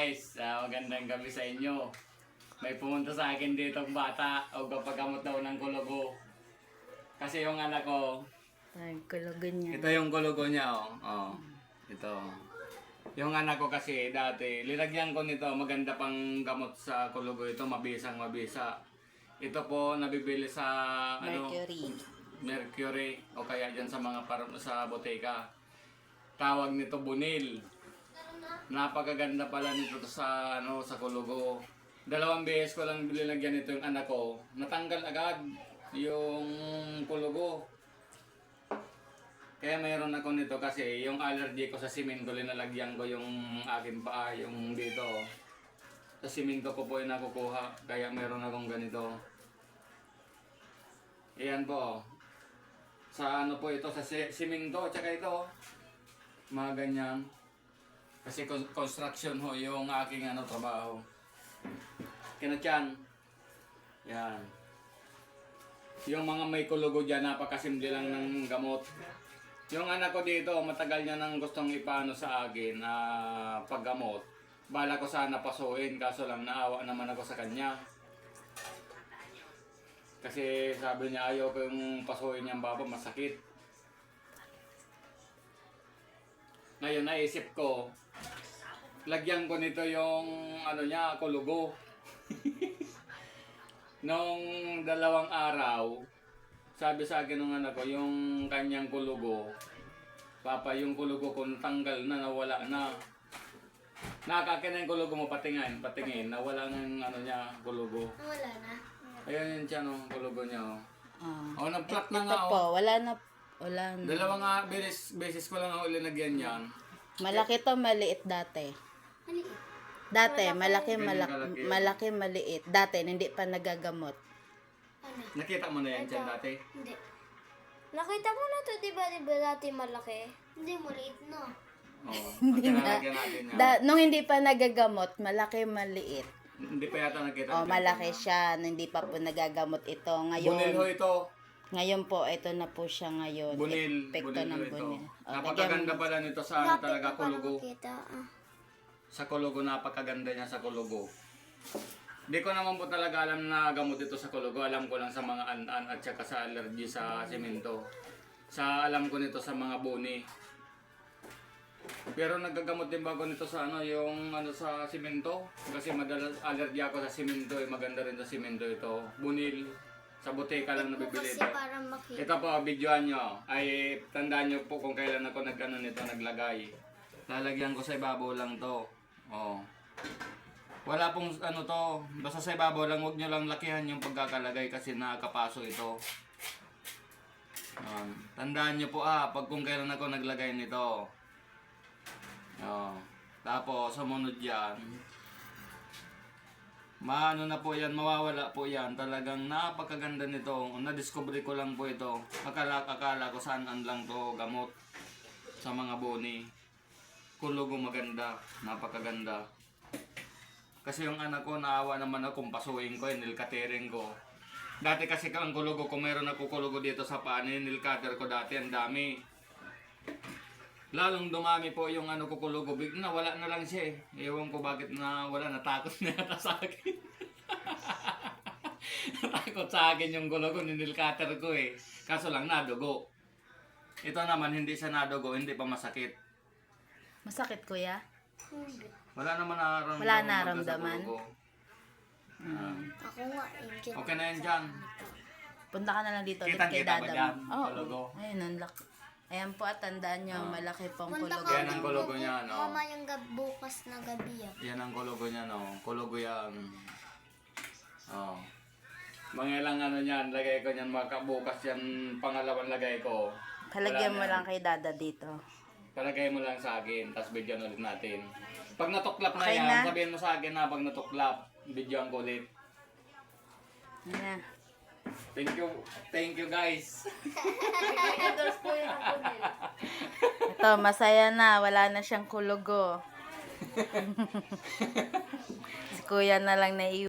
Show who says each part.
Speaker 1: guys, magandang gabi sa inyo. May pumunta sa akin dito ang bata o papagamot daw ng kulugo. Kasi yung anak ko,
Speaker 2: Ay, kulugo niya.
Speaker 1: ito yung kulugo niya ito. Yung anak ko kasi dati, linagyan ko nito, maganda pang gamot sa kulugo ito, mabisang mabisa. Ito po nabibili sa Mercury o kaya dyan sa mga sa boteka. Tawag nito bunil. Napakaganda pala nito sa sa kulugo. 2 beses ko lang binilagyan nito yung anak ko. Natanggal agad yung kulugo. Kaya mayroon ako nito kasi yung allergy ko sa simento, linalagyan ko yung aking paa, yung dito. Sa simento ko po yung nakukuha, kaya mayroon akong ganito. Ayan po. Sa ano po ito, sa simento, tsaka ito. Mga ganyan. Kasi construction ho yung aking trabaho. Kinatyan. Yan. Yung mga may kulugo dyan, napakasimple lang ng gamot. Yung anak ko dito, matagal niya nang gustong ipano sa akin na paggamot. Bala ko sana pasuin, kaso lang naawa naman ako sa kanya. Kasi sabi niya ayaw ko yung pasuin niyang baba, masakit. Ngayon naisip ko, lagyan ko nito yung kulugo. Nung 2 araw, sabi sa akin ng anak ko, yung kanyang kulugo, Papa, yung kulugo ko tanggal na, nawala na. Nakakakin na yung kulugo mo, patingin, nawala na yung kulugo.
Speaker 3: Wala na.
Speaker 1: Ayan yun siya, kulugo niya. Nag-plot na nga.
Speaker 2: Ito po, wala na.
Speaker 1: 2 beses ko lang ako linagyan yan.
Speaker 2: Malaki to, maliit dati.
Speaker 3: Maliit.
Speaker 2: Dati, malaki, maliit. Dati, hindi pa nagagamot.
Speaker 3: Ano?
Speaker 1: Nakita mo na yan dyan dati?
Speaker 3: Hindi. Nakita mo na to, di ba dati malaki? Hindi, maliit na.
Speaker 1: Oo. Hindi na. Natin yan.
Speaker 2: Nung hindi pa nagagamot, malaki, maliit.
Speaker 1: Hindi pa yata nakita.
Speaker 2: Malaki siya. Nung hindi pa po nagagamot ito.
Speaker 1: Bunil ho ito.
Speaker 2: Ngayon po, ito na po siya ngayon.
Speaker 1: Bunil.
Speaker 2: Epekto ng
Speaker 1: Ito.
Speaker 2: bunil.
Speaker 1: Napakaganda pala nito sa talaga kulugo.
Speaker 3: Makita.
Speaker 1: Sa kulugo, napakaganda niya sa kulugo. Hindi ko naman po talaga alam na gamot ito sa kulugo. Alam ko lang sa mga an-an at saka sa allergy sa simento. Alam ko nito sa mga buni. Pero nagagamot din ba ako nito sa sa simento? Kasi madalas allergy ako sa simento. Maganda rin sa simento ito. Bunil. Sa boteka lang nabibili ito.
Speaker 3: Para makita.
Speaker 1: Ito po, videoan nyo. Ay, tandaan nyo po kung kailan ako naglagay. Lalagyan ko sa ibabaw lang to. Wala pong to. Basta sa ibabaw lang, huwag nyo lang lakihan yung pagkakalagay kasi nakakapaso ito. Tandaan nyo po pag kung kailan ako naglagay nito. Tapos, sumunod yan. Na po yan, mawawala po yan. Talagang napakaganda nito. Na-discover ko lang po ito. Akala ko saan lang to gamot sa mga boni. Kulugo maganda, napakaganda. Kasi yung anak ko, naawa naman ako kung pasuin ko, nilkatering ko. Dati kasi ang kulugo ko, mayroon ako kulugo dito sa paan, nilkater ko dati, ang dami. Lalong dumami po yung ko kulugo, wala na lang siya eh. Ewan ko bakit wala, natakot na yata sa akin. Natakot sa akin yung kulugo, nilkater ko eh. Kaso lang nadugo. Ito naman, hindi siya nadugo, hindi pa masakit.
Speaker 2: Masakit, kuya?
Speaker 3: Hindi.
Speaker 1: Wala naman nararamdaman.
Speaker 2: Wala nararamdaman?
Speaker 3: Ako nga,
Speaker 1: Okay na yan dyan.
Speaker 2: Punta ka na lang dito ulit kay
Speaker 1: Kitang-kita ba
Speaker 2: Dadam.
Speaker 1: dyan? Kulugo?
Speaker 2: Ayun, ang laki. Ayan po, at tandaan nyo, malaki pong
Speaker 3: Punta
Speaker 2: kulugo.
Speaker 3: ka
Speaker 1: Yan ang kulugo niya, no?
Speaker 3: Mama yung bukas na gabi
Speaker 1: Yan ang kulugo niya, no? Kulugo yan. Mga ilang niyan, lagay ko niyan, bukas yan, pangalawang lagay ko.
Speaker 2: Palagyan mo lang kay Dada dito.
Speaker 1: Palagay mo lang sa akin, tapos videoan ulit natin. Pag natuklap na
Speaker 2: Okay
Speaker 1: yan,
Speaker 2: na?
Speaker 1: sabihin mo sa akin na pag natuklap, videoan ko ulit.
Speaker 2: Ayan.
Speaker 1: Thank you guys.
Speaker 2: Ito, masaya na. Wala na siyang kulugo. Si kuya na lang naiwan.